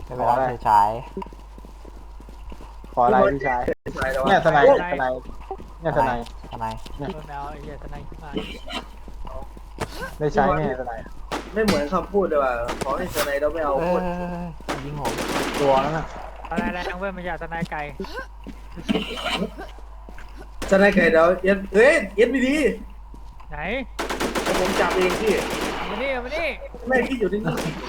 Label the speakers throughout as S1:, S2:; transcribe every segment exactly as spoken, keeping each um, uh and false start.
S1: เป็นเวลาใช้
S2: ขออะไรพี่ชายเนี่ยทนายทนายเนี่ยทนาย
S1: ทนาย
S3: โดนแมวไอ้เหี้ยทนายขึ้นมา
S2: ได้ใช้เนี่ยทนาย
S4: ไม่เหมือนคำพูดเลยว่ะขอให้สไนเราไม่เอา
S1: เอ
S4: พูด
S1: อยิงผม
S2: ตัวนั่นน่ะ
S3: ทนายอะไรทั้งเว้ยมันอยากทนายไก่
S4: สไนไก่เดี๋ยวเอ็นเอ้ยเอ็นบีดี
S3: ไหน
S4: ผมจับเองพี่
S3: เอามานี่เอามานี่
S4: แม่พี่อยู่ที่นี่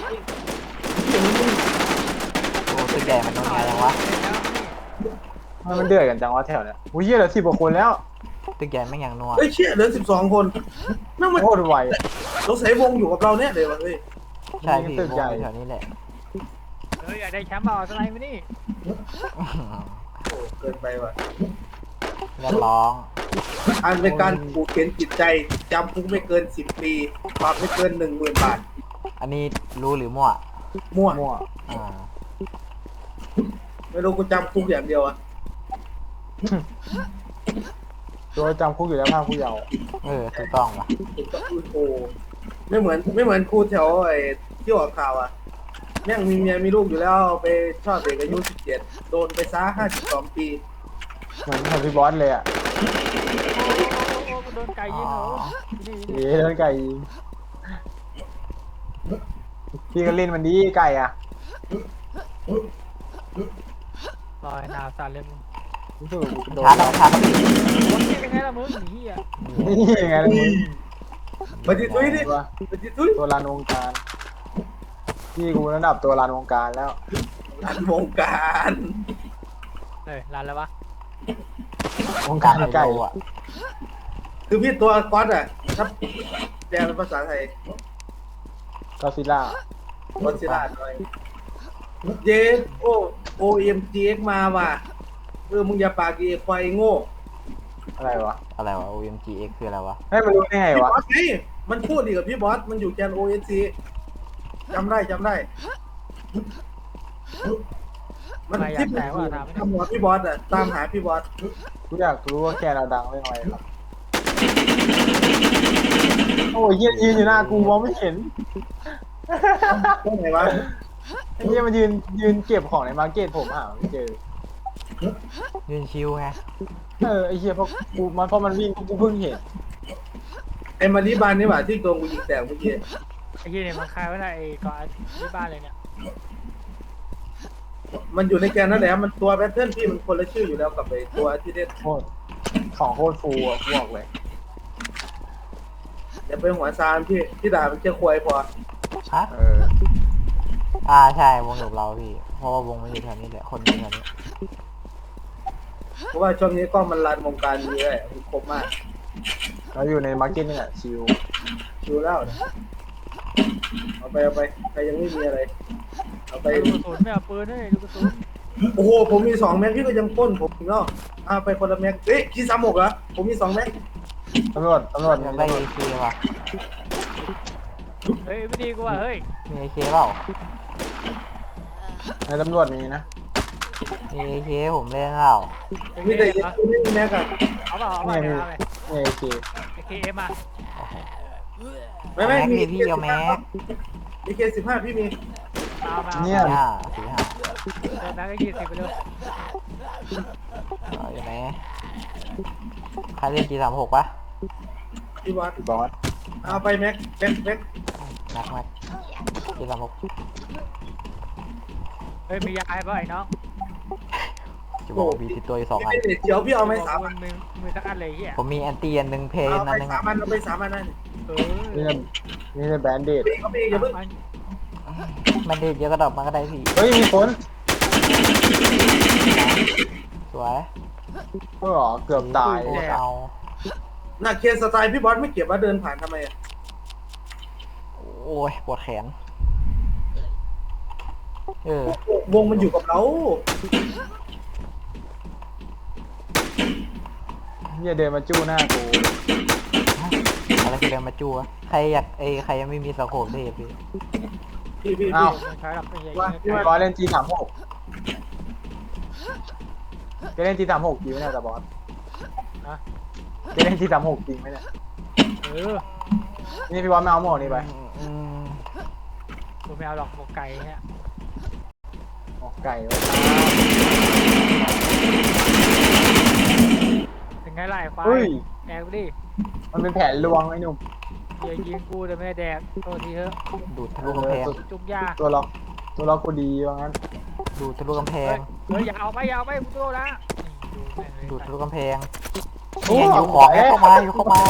S1: โอ้ตึกใหญ่มันโดนไงยังวะ
S2: มันมันเดือดกันจังวะแถวเนี้ยอุ้ยเหี้ยเหลือสิบกว่าคนแล้ว
S1: ตึกใหญ่ไม่อย่างนัว
S4: เฮ้ยเชี่ยเหลือสิบสองคนนั่งมัน
S2: โคตรไว
S4: เราใส่วงอยู่กับเราเนี่ยเลยวะเฮ้ย
S1: ใช่พี่
S2: ตึกใหญ่
S1: วงแถวนี้แหละ
S3: เอออยากได้แชมป์เอาทนายมานี่
S4: โอ้เกินไปว่ะ
S1: เรียกร้อง
S4: อันเป็นการผูกเข็นจิตใจจำคุกไม่เกินสิบปีปรับไม่เกินหนึ่งหมื่นบาท
S1: อันนี้รู้หรือมั่ว
S4: มั่ว
S2: มั่ว
S1: อ่า
S4: ไม่รู้กูจำคุกอย่างเดียวอะ
S2: ตัวจำคุกอยู่แล้วภาคผู้เยาว์
S1: เออถูกต้องว่ะ
S4: ก็คือโอ้ไม่เหมือนไม่เหมือนครูแถวไอ้ที่ออกข่าวอะแม่งมีเมียมีลูกอยู่แล้วไปชอบเด็กอายุสิบเจ็ดโดนไปซะห้าสิบสองปี
S2: เหมือนของพี่บอสเลยอ่ะ
S3: โอ้โหโดนไก่ยิงเหรอนี่นี่
S2: เอ๋โดนไก่ยิงพี่ก็เล่นมันดีไก่อ่ะ
S3: ลอยหนาวสั่นเลยมึง
S2: รู้สึกว่ากูโดน
S1: ช้าต้องช้าต้อง
S3: โดนนี่เป็นไงล่ะมึงหนีอ่ะ
S2: นี่ยังไงล่ะมึง
S4: ปฏิทุยดิ
S2: ตัว
S4: ปฏิทุย
S2: ตัวลานวงการพี่กูระดับตัวลานวงการแล้ว
S4: อันวงการ
S3: เฮ้ยรันแล้ววะ
S2: วง
S1: กา
S2: การ ร
S1: ไก่
S2: ไก่
S1: อ่ะ
S4: คือพี่ตัวก๊อตอะครับแปลเป็นภาษาไทย
S2: ก็ซิล่า
S4: ก๊อตซิล่าหน่อยเจโอโอเอ็มจีเอ็กมาว่ะเออมึงอย่าปากดีควายโง่
S2: อะไรวะ
S1: อะไรวะ โอ เอ็ม จี เอ็กซ์ คืออะไรวะ
S2: ให้มันรู้ได้ไง
S4: พี่บ
S2: วะ
S4: อสไงมันพูดดีกับพี่บอสมันอยู่แกนโอเอซีจำได้จำได้ มัน
S3: ไม่อยา
S4: ที่
S3: กแต่ว่าถามไม่ได้
S4: ทำหัวพี่บอสอะตามหาพี่บอส
S2: กูอยากรู้ว่าแกเราดังเรื่องอะไรครับโอ้ยเฮียยืนอยู่หน้ากูมองไม่เห็น
S4: ตรงไหนวะ
S2: ไอ้เฮียมันยืนยืนเก็บของในมาร์เก็ตผมหาไม่เจอ
S1: ยืนชิวไง
S2: เออไอ้เฮียเพราะกูมันเพราะมันวิ่งกูเพิ่งเห็น
S4: ไอ้มาริบานนี่หว่าที่ตัวกูยิงแตกเมื่อกี้
S3: ไอ้เหี้ยเนี่ยมันคายไว้ในไอ้ก่อนที่บ้านเลยเนี่ย
S4: มันอยู่ในแกนนั่นแหละมันตัวแพทเทิร์นพี่มันคนละชื่ออยู่แล้วกับไอ้ตัวที่เล่น
S2: โคตรของโคตรฟูอ่ะกูบอกเลย
S4: อย่าไปหัวซานพี่พี่ด่ามันเจ้าควายพอ
S1: ฮะ
S2: เออ
S1: อ่าใช่วงอยู่กับเราพี่ เพราะว่าวงมันอยู่แถวนี้แหละ คนอยู่แถวนี้
S4: เพราะว่าช่วงนี้กล้องมันรันวงการนี้เลยมันคมมาก
S2: เราอยู่ในมาร์เก็ตนี่แหละชิว
S4: ดูแล้วนะเอาไปเอาไปใครยังไม่มีอะไรเอาไป
S3: ลูกกระสุนไม่เอาปืนด้วยลูกกระสุน
S4: โอ้โหผมมีสองแม็กพี่ก็ยังปล้นผมอีกเนาะเอาไปคนละแม็กเอ๊ะคิดสามหกเหรอผมมีสองแม็ก
S2: ตำรวจตำรวจ
S1: อยากได้ เอ เค ว่ะ
S3: เฮ้ยไม่ดีกูว่ะเฮ้ย
S1: มี เอ เค เปล่า
S2: ในตำรวจมีนะ
S1: มี เอ เค ผมเล่นเปล่า
S4: มีแต่ยังไม่มีแม็กอะ
S3: เอาเปล่าเอาเปล่าเดี๋ยวเอาไป
S2: เอเค
S3: ไอ้เคเอ็มอ่ะ
S4: ไม่ไม่
S1: แม็ก
S4: มี
S1: ดิพี่เอาแม็ก
S4: มีเคสิบห้าพี่มี
S3: เอามา
S2: เนี่ย
S1: สี่ห้าสี่ห้า
S3: เดินแม็กก็ยี่สิบไปเลย
S1: เอาอยู่ไหนใครเล่น จี สามหก ปะ
S4: พี่บอส
S2: พี่บอส
S4: เอาไปแม็กแม็กแม็ก
S1: แม็กแม็ก จี สามหก
S3: เฮ้ยมียาให้ป่ะไอ้น้อง
S1: จะบอกว่ามีติดตัวอยู่สองอัน
S4: พี่เป็นเดี๋ยวพี่เอาไหมสาม
S3: มั
S4: อั
S3: น
S4: น
S3: มือมือสักอันเลยเฮีย
S1: ผมมีแอนตี้อันหนึ่งเพล
S4: เอา
S1: น
S4: ไป
S1: อันหนึ่ง
S4: สามอันเอาไปสามอันนั่น
S3: เอ
S2: นี่
S3: อ
S2: นี่ในแบนเดด
S4: พี่เขาพี่อย่าเพิ่ง
S1: มันดีเยอะก็ดอกมันก็ได้พี่
S2: เฮ้ยมีคน
S1: สวย
S2: ก็หรอเกือบตาย
S1: โคตรเอา
S4: หน้าเคสไตล์พี่บอสไม่เก็บว่าเดินผ่านทำไมอะ
S1: โอ้ยปวดแขน เออ
S4: วงมันอยู่กับเรา
S2: เฮียเดินมาจู้หน้ากู
S1: อะไรคือเดินมาจู้วะใครอยากไอ้ใครยังไม่มีสโคปเทพพี่
S4: พี่พี่
S2: อ้า
S4: พี่
S2: ว
S3: ไม่ใช่หรอกไอ้เหี้ย
S4: ว่า
S2: พี่บอสเล่น จี สามหกจะเล่น จี สามหกจริงไหมเนี่ยแต่บอส
S3: นะ
S2: จะเล่น จี สามหกจริงไหมเนี่ย
S3: เออ
S2: นี่พี่บอสมาเอาหมวกนี่ไป
S1: อืม
S3: กูไม่เอาหรอกหมกไก่เนี่ย
S2: อกไก่วะ
S3: เป็นไงล่ะไอ้ควาย
S2: เฮ้ย
S3: แดกไปดิ
S2: มันเป็นแผนลวงไอ้หนุ่ม
S3: เฮียยิงกูแต่ไม่ได้แดกโทษทีเถอะ
S1: ดูดทะลุกำแพง
S3: จุกยา
S2: ตัวล็อกตัวล็อกกูดีว่างั้น
S1: ดูดทะลุกำแพ
S3: เฮ้
S1: ง
S3: ยเฮ้ยอย่าเอาไปอย่าเอาไปกูโตนะนี่ดูแม่งเลย
S1: ดูดทะลุกำแพง
S2: โอ้
S1: นี่
S2: โห
S1: อยู่ของเนี่ยเข้ามาอยู่เข้ามา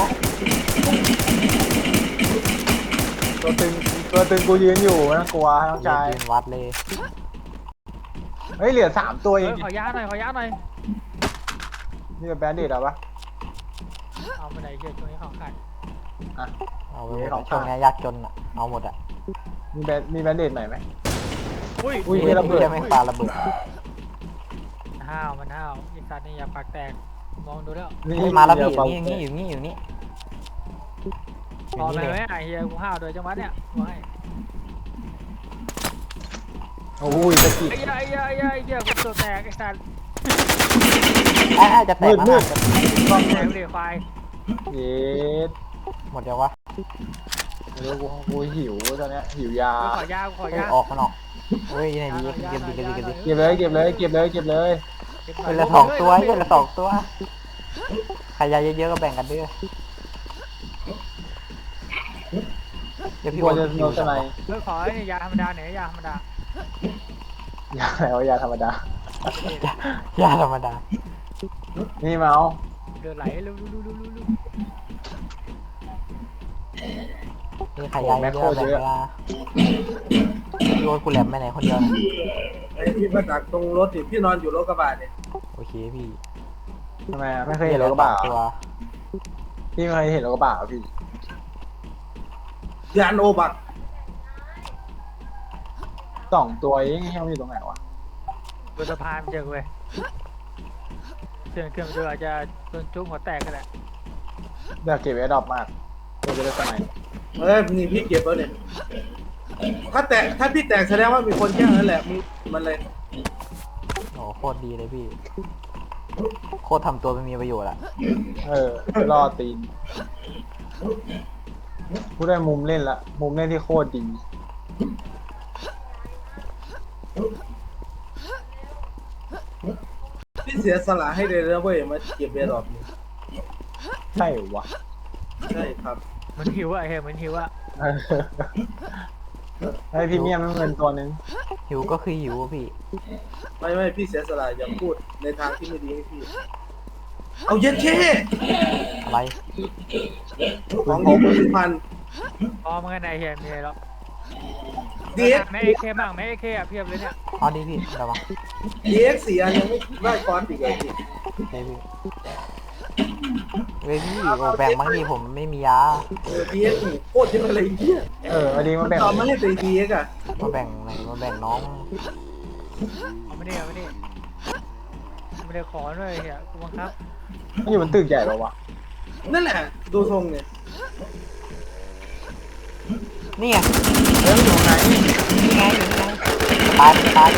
S2: ตัวตึงตัวตึงกูยืนอยู่นะกลัวน้องชาย
S1: ยืนวัดเลย
S2: เฮ้ยเหลือสามตัวเอ
S3: เฮ้
S2: ง
S3: ยขอยาหน่อยขอยาหน่อย
S2: นี่เป็นแบนเดดเหรอปะ
S3: เอามาไหนเฮียช่วงนี้ของขาด
S2: อ่ะ
S1: เอาไปหม
S2: เดี๋
S1: ด
S2: ยวของ
S1: ช่วงเนี้ยยากจนอะเอาหมดอะ
S2: มีแบนมีแบนเดดใหม่ไหม
S3: อุ้ย
S2: อุ้ย
S1: นี่
S2: ระเบิด
S1: จะไม่ปาระเบิด
S3: ห้าวมันห้าวไอ้สัตว์นี่อย่าปากแตกมองดูแล้ว
S1: เฮ้ยมาแล้วพี่
S2: เดี๋
S1: อยู่นี่อยู่นี่อยู่นี่อยู่นี่อ
S3: รอยู่ ไหม
S1: นี่เล
S3: ไหม
S1: ย
S3: ไอ้เฮียกูห้าวโดยจังหวะเนี่ยไว้
S2: โอ้ยตะกี้
S3: ไอ้เหี้ยไอ้เหี้ยไอ้เหี้ยไอ้เหี้ยกูตัวแตกไอ้สัตว์
S1: อ่ะอ่ะจะแตกแล้ว
S2: มื
S1: นะ
S2: ด
S3: ต้องแตกเลยควาย
S2: เย็ด
S1: หมดยังวะ
S2: เดี๋ยวกูกูหิวตอนเนี้ยหิวยา
S3: กูขอยากูขอ
S1: เฮ้ย
S3: ยา
S1: ออกมันออกเฮ้ยไหนดีเก็บดีเก็บดีเก็บดี
S2: เก็บเลยเก็บเลยเก็บเลยเก็บเลย
S3: เก็บห
S1: เฮ้
S3: น่
S1: ยละสองตัวเฮ้ยละสองตัวใครยาเยอะๆก็แบ่งกันเด้อเดี๋ยวพี่
S2: กลัว
S1: โอน
S2: จะ
S1: คิ
S2: โด
S1: วน
S2: สไน
S3: เฮ้ยขอไอ้นี่ยาธรรมดาหน่อยยาธรรมดาย
S2: าอะไรวะยาธรรมดา
S1: ยาธรรมดา
S2: นี่มาเอา
S3: เดือดไหลเร็วๆๆๆๆ
S1: นี่ใครยาเยอะๆแบ่งเวลาพี่โอนกูแหลมไปไหนคนเดียวนะ
S4: ไอ้ที่มาดักตรงรถที่พี่นอนอยู่รถกระบะเนี่ย
S1: โอเคพี่
S2: ทำไมอะไม่เคยเห็นรถกระบะ
S1: ตัว
S2: พี่ไม่เคยเห็นรถกระบะเหรอพี่
S4: ยานโอบัก
S2: สองตัวเองที่มันอยู่ตรงไหนวะ
S3: บนสะพานเจอเว้ยเครื่องเครื่องเจออาจจะโดนจุ๊บหัวแตกกันแหละ
S2: อยากเก็บไว้ดรอปมากตัวจะได้สมัย
S4: เอ้ยนี่พี่เก็บแล้วเนี่ยถ้าแตกถ้าพี่แตกแสดงว่ามีคนแย่งนั่นแหละมึงมันเลย
S1: โอ้โหโคตรดีเลยพี่ โคตรทำตัวไม่มีประโยชน์อะ
S2: เออล่อตีนกูได้มุมเล่นละมุมเล่นที่โคตรดี
S4: พี่เสียสละให้เลยนะเว้ยมาเก็บเบรอบนี่
S2: ใช่เหรอวะ
S4: ใช่ครับ
S3: มันหิวอะเฮ้ยมันหิวอะ
S2: เออไอพี่เมียมมันเงินตัวนึง
S1: หิวก็คือหิวอะพี่
S4: ไม่ไม่พี่เสียสละอย่าพูดในทางที่ไม่ดีให้พี่ เอาเย็นเช่
S1: อะไร
S4: ของดีบริพันธ์
S3: พอมันกันไหนเฮ้ยมีอะไรหรอก
S4: ดีเอ็ก
S3: แม่เอเคบ้างแม่เอเคอะเพียบเลยเนี่ย
S1: เอาดีพี่เดี๋ยวมา
S4: ดีเอ็กสี่อันยังไม่ได้ก้อนอีกเลยพี่
S1: โอเคพี่เว้ยพี่โอ้แบ่งบ้างดิผมไม่มียา
S4: เออดีเอ็กโคตรเยอะเลยไอ้เหี้ย
S2: เออวันนี้มาแบ่ง
S4: ตอนมาให้ตีดีเอ็กอะ
S1: มาแบ่งไหนมาแบ่งน้อง
S3: เอาไม่ได้เอาไม่ได้ไม่ได้ขอด้วยเฮียกูบังคับ
S2: มันอยู่บนตึกใหญ่ปะวะ
S4: นั่นแหละดูทรงเนี่ย
S1: นี่ไง
S2: เฮ้ยมันอยู่ไหน
S1: นี่ไงอยู่นี่ไงตายมันตาย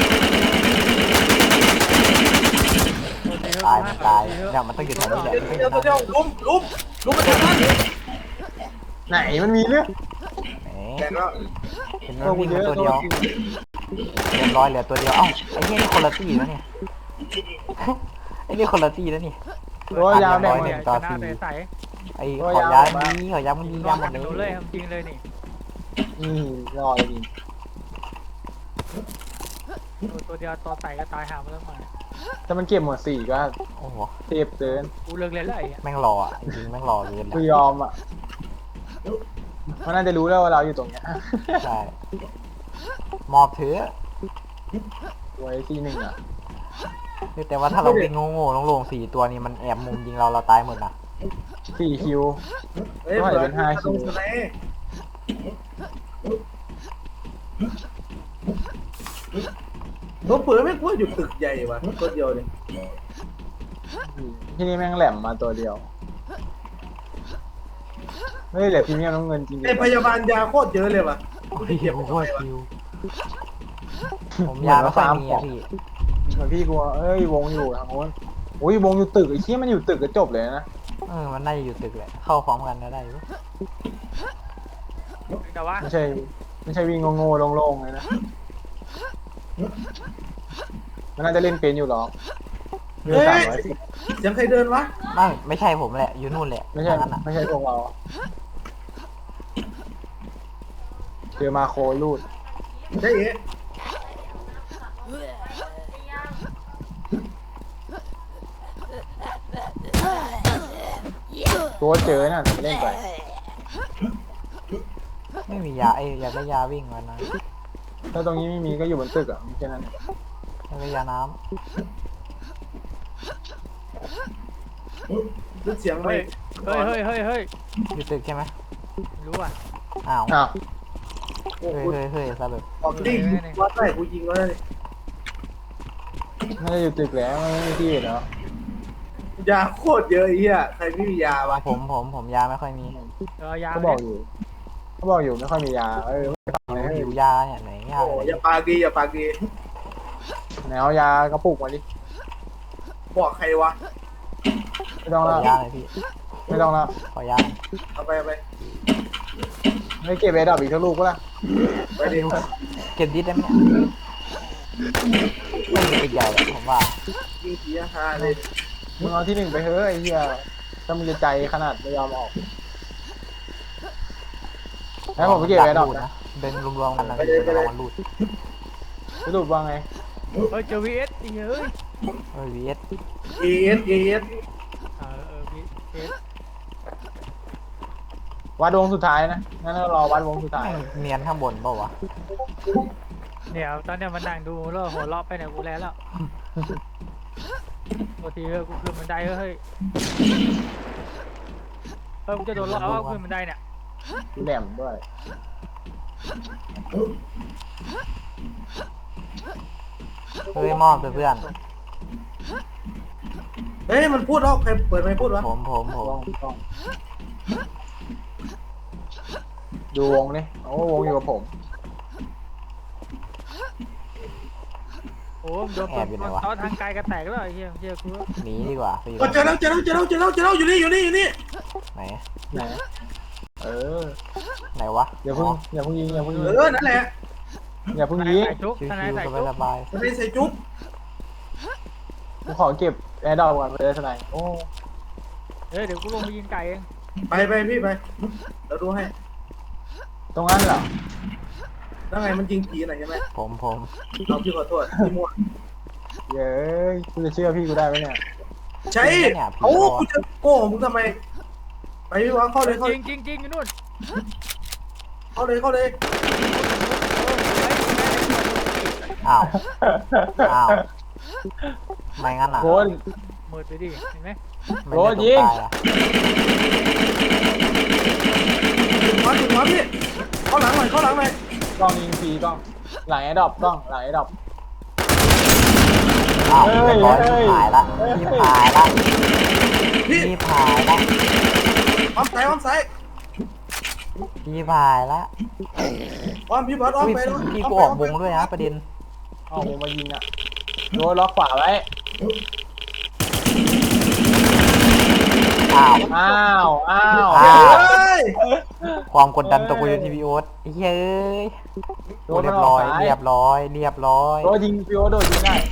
S1: ตายมันตายเนี่ยมันต้องอยู่แถวนี้แหละ
S4: เดี๋ยว
S1: มันต้องอ
S4: เดี๋ยว
S1: ยู่
S4: เดี๋ยวลุมลุมลุมมาจากนั้น
S2: ไหนมันมีเรื่อง
S1: แหม
S4: แตกแล้ว
S1: เห็นไหม
S2: ตัวกู
S1: วิ่ง
S2: เย
S1: มา
S2: อะ
S1: ตัว
S2: ตัว
S1: เดียว
S2: จริง
S1: เรียบร้อยเหลือตัวเดียวเอ้าไอ้เหี้ยนี่คนละตี้แล้วนี่ ไอ้นี่คนละตี้แล้วนี่
S2: ตัวยาวแบ่ง
S1: ร้อยห
S2: ห
S1: นึ่
S2: นึ่
S1: ง
S2: ง
S1: ต่อ
S3: ชนะ
S1: สี่
S3: ไปใส่
S1: ไอ้ขอยาดีขอยามันดี
S3: รอย
S1: าหม
S3: กั
S1: ด
S3: น
S1: เล
S3: หนูเลย
S1: ย
S3: จริงเลยนี่
S2: นี่รอเลยดิ
S3: ตัวเดียวตัวใส่ก็ตายหามาแล้วมา
S2: ถ้ามันเก็บหมดสี่ก็
S1: โอ้โห
S2: เทพเกิน
S3: กูเลิกเล่นแล้วไอ้
S1: แม่งรออ่ะจริงแม่งรอเกิน
S2: กู
S1: อะ
S2: ยอมอ่ะมันน่าจะรู้แล้วว่าเราอยู่ตรงเนี้ย
S1: ใช่มอบเถอะ
S2: ไว้ซีหนึ่งอ่ะ
S1: แต่ว่าถ้าเราวิ่งโง่ๆโล่งๆสี่ตัวนี้มันแอบมุมยิงเราเราตายหมดนะ
S2: สี่คิว
S4: เฮ้ย
S2: เท่าไหร่
S4: เปิ
S2: เป็
S4: ด
S2: นห้าคิ
S4: ตร
S2: ว
S4: งสไนด์ตัวเปิดไม่กลัวอยู่ตึกใหญ่ว่ะตัวเดียวเนี่ย
S2: ที่นี่แม่งแหลมมาตัวเดียวไม่เหลือพรีเมียมน้ำเงินจริง
S4: ไอพยาบาลยาโคตรเยอะเลยว่ะ
S1: โอ้
S4: กู
S1: ย
S4: ที่เก็บ
S1: โค
S4: เอา
S1: ตร
S4: ไว้ว่ะ
S1: คิวผมยาไม่ค่อยมีอะพี่
S2: เหมือนพี่กลัวเอ้ยวงอยู่ทางโน้นโอ้ยวงอยู่ตึกไอ้เชี่ยมันอยู่ตึกก็จบเลยนะ
S1: เออมันน่าจะอยู่ตึกแหละเข้าพร้อมกันก็ได้ปะ
S3: แต่ว่า
S2: ไม่ใช่ไม่ใช่วิ่งโง่ๆโล่งๆเลยนะมันน่าจะเล่นเป็นอยู่หรอกเรือ
S4: เฮ้
S2: สาม
S4: ย
S2: ร้อยสิบ
S4: เสียงใครเดินวะ
S1: ไม่ไม่ใช่ผมแหละอยู่นู่นแหละ
S2: ไม่ใช่
S1: ทางนั้นอ่ะ
S2: ไม่ใช่พวกเราเจอมาโครูด
S4: ใช่เอ๊ะ
S2: ตัวเจอน่ะเล่นไป
S1: ไม่มียาไอยอยากได้ยาวิ่งมานะ
S2: ถ้าตรงนี้ไม่มีก็อยู่บนตึกอ่ะแค่นั้น
S1: อยากได้ยาน้
S4: รู้เสียงไหม
S3: เฮ้ยเฮ้ยเฮ้ยเฮ้ยเฮ้ย
S1: ำอยู่ตึกใช่ไหม
S3: รู้อ่ะ
S1: อ้าว
S2: อ้าว
S4: โอ้
S1: เฮ้ย
S4: โห
S1: เฮ้ยเฮ้ยซะแบบ
S4: ออกดิวัดได้กูยิงแล้วนี่
S2: น่าจะอยู่ตึกแล้วไม่มีที่แล้ว
S4: ยาโคตรเยอะไอ้เหี้ยใครไม่มียาวะ
S1: ผมผมผมยาไม่ค่อยมี
S3: เออยาว
S2: เขาบอกอยู่เขาบอกอยู่ไม่ค่อยมียาเออไม่ฟังเลย
S1: หิวยาเนี่ยไหนยา
S4: โอ้อย่าปากดีอย่าปากดี
S2: ไหนเอายากระปุกมาดิ
S4: บอกใครวะ
S2: ไม่ต้อง
S1: ขอ
S2: แล้ว
S1: ยาหน่อยพี่
S2: ไม่ต้องแล้ว
S1: ขอยาหน่อย
S4: เอาไปเอาไป
S2: ไม่เก็บเอดอบอีกทั้งลูกก็ละ
S4: ไปดิ
S1: เก็บดิสได้ไหมเนี่ยไม่มีตึกใหญ่หรอกผมว่า
S4: ยิงผีฮาเลย
S2: มึงเอาที่หนึ่งไปเฮ้ยไอ้เหี้ยถ้ามึงจะใจขนาดไม่ยอมออกแล้วผมไปเก็บเอดอบ
S1: รูด
S2: นะ
S1: เป็นรวมๆกันนะพี่เป็นรางวัลรูด
S2: สรุปว่าไง
S3: เฮ้ยเจอวีเอสอีเฮ้ย
S1: เออวีเอส
S4: เอเอสเอเอส
S3: เออเออวีเอส
S2: วัดวงสุดท้ายนะงั้นเรารอวัดวงสุดท้าย
S1: เนียนข้างบนเปล่าวะ
S3: เนี่ยตอนเนี้ยมันนั่งดูแล้วหัวเราะไปเนี่ยกูแล้วแล้วปกติเออกูขึ้นบันไดเฮ้ยเฮ้ยกูจะโดนล้อว่าขึ้นบันไดเนี่ย
S2: แหลมด้วย
S1: เฮ้ยมอบเลยเพื่อน
S4: เฮ้ยมันพูดแล้วใครเปิดไมค์พูดวะ
S1: ผมผมผ
S2: ลอ
S1: ม
S2: งลองดูวงนี่โอ้วงอยู่กับผม
S3: โอ้โดนตอนทางไกลกระแตกแล้วไอ้เหี้ยเหี้ยกู
S1: หนีดีกว่าพี่
S4: ก็เจอแล้วเจอแล้วเจอแล้วเจอแล้วเจอแล้วอยู่นี่อยู่นี่อยู่นี่
S1: ไหน
S2: ไหนเออ
S1: ไหนวะ
S2: อย่าเพิ่งอย่าเพิ่งยิงอย่าเพิ่งยิง
S4: เออนั่นแหละ
S2: อย่าเพิ่ง
S3: ทนาย
S2: ยิง
S3: ใส่ชุบ
S1: ชิว
S3: ทนาย
S1: ๆ
S3: ใส่
S1: ส
S3: ชุบบ
S1: าย
S4: มันไม่ใส่จุ๊บ
S2: กูขอเก็บแอร์ดรอปก่อนไปเลยทนายโอ้
S3: เฮ้ยเดี๋ยวกูลงไปยิงไก่เอง
S4: ไปไปพี่ไปเราดูให้
S2: ตรงนั้นเหรอ
S4: แล้วไงมันยิงผีหน่อยใช่ไหม
S1: ๆผมผม
S4: เราพี่ขอโทษพี่มั่ว
S2: เย้ยกูจะเชื่อพี่กูได้ไหมเนี่ย
S4: ใช่โอ้กูจะโก้มึงทำไมไปพี่วะเข้าเลยเข้า
S3: จริงจริงจริงอยู่นู่น
S4: เข้าเลยเข้าเลย
S1: อ้าวอ้าวไม่งั้นอ่ะ
S2: โคตร
S3: มืดไปดิเห็นไหม
S1: ไม่
S2: โอ้
S1: ได้
S2: ยิง
S1: ตกตายอ่ะ
S4: ถึงมาถึงมาพี่เข้าหลังหน่อยเข้าหลังหน่อย
S2: กล้องยิงฟรีกล้องหลังแอร์ดรอปกล้องหลังแอร์ดรอป
S1: อ้าว
S2: เฮ้
S1: เรี
S2: ย
S1: ยบร้อย
S2: เฮ้ย
S1: หายละ
S2: เฮ้ย
S1: ทีมหายละ
S4: พี่
S1: ทีมหายละ
S4: อ้อมซ้ายอ้อมซ้าย
S1: ทีมหายละ
S4: อ้อมพี่บอสอ้อม
S1: อุ้ย
S4: ไปแล้ว
S1: พี่กูออกวงด้วยนะประเด็น
S2: เอาผมมายิงอ่ะโดนล็อกขวาไว้
S1: อ้าว
S2: อ้าวอ้าว
S1: อ้าว
S4: เฮ้ย
S1: ความกดดันตัวกูอยู่ที่พี่โอ๊ตเฮ้ยเอ้ย
S2: โด
S1: โอ้
S2: น
S1: เรี
S2: มั
S1: ย
S2: น
S1: บ
S2: ออก
S1: ร้อย
S2: ซ้าย
S1: เรียบร้อยเรียบร้อย
S2: โดนยิงฟิวโดนยิงได้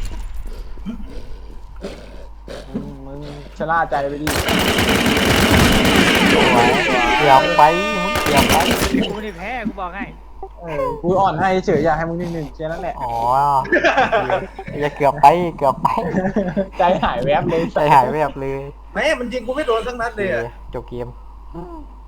S2: มึงมึงชะล่าใจไปดิ
S1: สวยเกือบไปมึงเกือบไป
S3: กูไม่ได้แพ้กูบอกให้
S2: เออกูอ่อนให้เฉยอยากให้มึงหนึ่งหนึ่งแค่นั้นแหละ
S1: อ๋ออย่าเกือบไปเกือบไป
S2: ใจหายแวบเลย
S1: ใจหายไปแบบเลย
S4: ไม่มันยิงกูไม่โดนสักนัดเลยอะ
S1: จบเกม